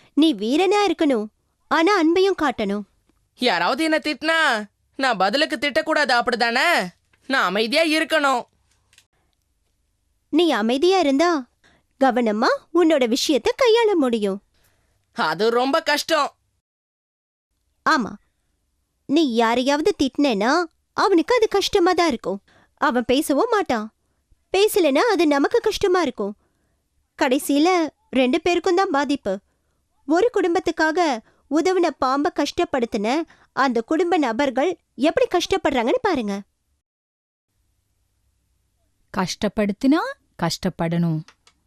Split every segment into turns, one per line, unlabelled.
நீ வீரனா இருக்கணும், ஆனா அன்பையும் காட்டணும்.
யாராவது என்ன திட்டினா நான் பதிலுக்கு திட்டக்கூடாது, அப்படிதானே? நான் அமைதியா இருக்கணும்.
நீ அமைதியா இருந்தா கவனமா உன்னோட விஷயத்தை கையாள முடியும்.
அது ரொம்ப கஷ்டம்.
ஆமா, நீ யாரையாவது திட்டினேன்னா அவனுக்கு அது கஷ்டமா தான் இருக்கும். அவன் பேசவும் மாட்டான். பேசலனா அது நமக்கு கஷ்டமா இருக்கும். கடைசியில 2 பேருக்கும் தான் பாதிப்பு. ஒரு குடும்பத்துக்காக உதவின பாம்ப கஷ்டப்படுத்தின அந்த குடும்ப நபர்கள் எப்படி கஷ்டப்படுறாங்கன்னு பாருங்க.
கஷ்டப்படுத்தினா கஷ்டப்படணும்.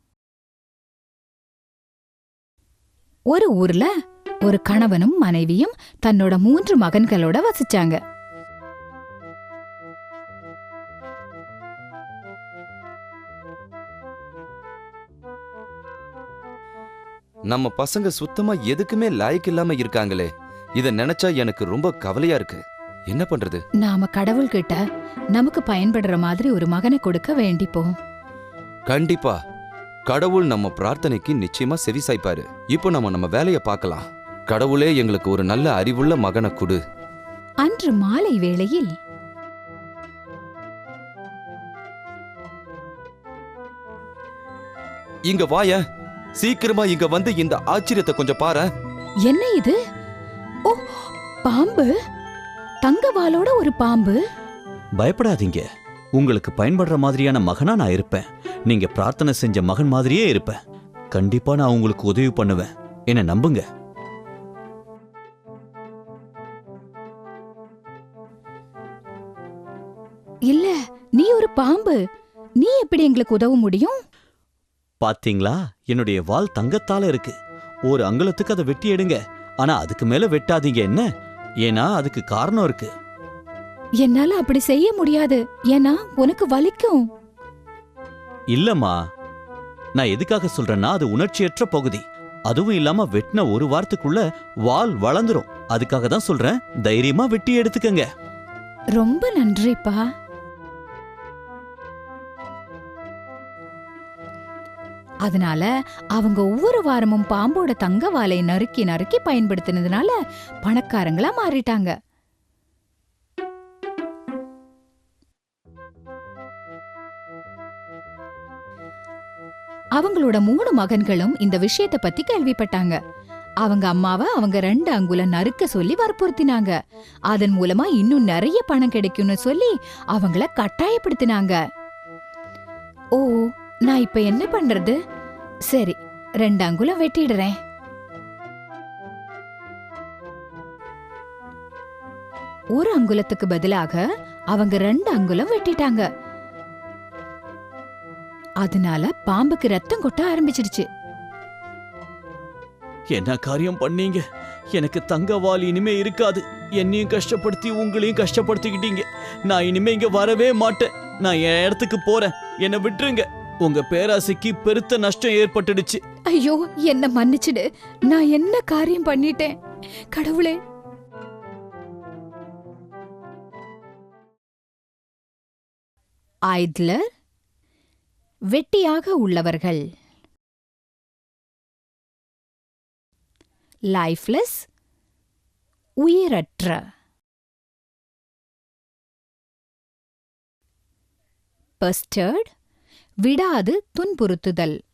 ஒரு ஊர்ல ஒரு கணவனும் மனைவியும் தன்னோட 3 மகன்களோட வசிச்சாங்க.
நம்ம பசங்க சுத்தமா எதுக்குமே லாய்க்கு இல்லாம இருக்காங்களே. இத நினைச்சா எனக்கு ரொம்ப கவலையா இருக்கு. என்ன பண்றது?
நாம கடவுள்கிட்ட நமக்கு பயன்படுற மாதிரி ஒரு மகனை கொடுக்க வேண்டிப்போம்.
கண்டிப்பா கடவுள் நம்ம பிரார்த்தனைக்கு நிச்சயமா செவிசாய்ப்பாரு. இப்போ நம்ம வேலைய பார்க்கலாம். கடவுளே எங்களுக்கு ஒரு நல்ல அறிவுள்ள மகனை கொடு.
அன்று மாலை வேளையில்
இங்க வாய, சீக்கிரமா இங்க வந்து இந்த ஆச்சரியத்தை கொஞ்சம் பாரு.
என்ன இது? ஓ, பாம்பு! தங்கவாலோட ஒரு பாம்பு.
பயப்படாதீங்க, உங்களுக்கு பயன்படுற மாதிரியான மகனா நான் இருப்பேன். நீங்க பிரார்த்தனை செஞ்ச மகன் மாதிரியே இருப்பேன். கண்டிப்பா நான் உங்களுக்கு உதவி பண்ணுவேன், என்ன நம்புங்க.
இல்ல, நீ ஒரு பாம்பு. நீ எப்படி எங்களுக்கு உதவ முடியும்?
பாத்தீங்களா, என்னுடைய வால் தங்கத்தால இருக்கு. ஒரு அங்குலத்துக்கு அதை வெட்டி எடுங்க, ஆனா அதுக்கு மேல வெட்டாதீங்க. என்ன? ஏன்னா அதுக்கு காரணம் இருக்கு.
என்னால அப்படி செய்ய முடியாது, ஏன்னா உனக்கு வலிக்கும்.
இல்லம்மா, நான் எதுக்காக சொல்றேன்னா அது உணர்ச்சியற்ற பகுதி. அதுவும் இல்லாம வெட்டின ஒரு வாரத்துக்குள்ள வால் வளர்ந்துரும். அதுக்காக தான் சொல்றேன், தைரியமா வெட்டி எடுத்துக்கங்க.
ரொம்ப நன்றிப்பா. அதனால அவங்க ஒவ்வொரு வாரமும் பாம்போட தங்க வாலை நறுக்கி நறுக்கி பயன்படுத்தினதுனால பணக்காரங்களா மாறிட்டாங்க. அவங்களோட 3 மகன்களும் இந்த விஷயத்தை பத்தி கேள்விப்பட்டாங்க. அவங்க அம்மாவை அவங்க 2 அங்குலம் நறுக்க சொல்லி வற்புறுத்தினாங்க. அதன் மூலமா இன்னும் நிறைய பணம் கிடைக்கும்னு சொல்லி அவங்கள கட்டாயப்படுத்தினாங்க. ஓ, நான் இப்ப என்ன பண்றது? சரி, 2 அங்குலம் வெட்டிடுறேன். ஒரு அங்குலத்துக்கு பதிலாக அவங்க 2 அங்குலம் வெட்டிட்டாங்க. அதனால பாம்புக்கு ரத்தம் கொட்ட ஆரம்பிச்சிடுச்சு.
என்ன காரியம் பண்ணீங்க? எனக்கு தங்க வால் இனிமே இருக்காது. என்னையும் கஷ்டப்படுத்தி உங்களையும் கஷ்டப்படுத்திக்கிட்டீங்க. நான் இனிமே இங்க வரவே மாட்டேன். நான் என் இடத்துக்கு போறேன். என்னை விட்டுருங்க. உங்க பேராசைக்கு பெருத்த நஷ்டம் ஏற்பட்டுடுச்சு.
ஐயோ, என்ன மன்னிச்சிடு. நான் என்ன காரியம் பண்ணிட்டேன்? கடவுளே! ஐட்லர், வெட்டியாக உள்ளவர்கள். லைஃப்லெஸ், உயிரற்ற. பஸ்டர்ட், விடாது துன்புறுத்துதல்.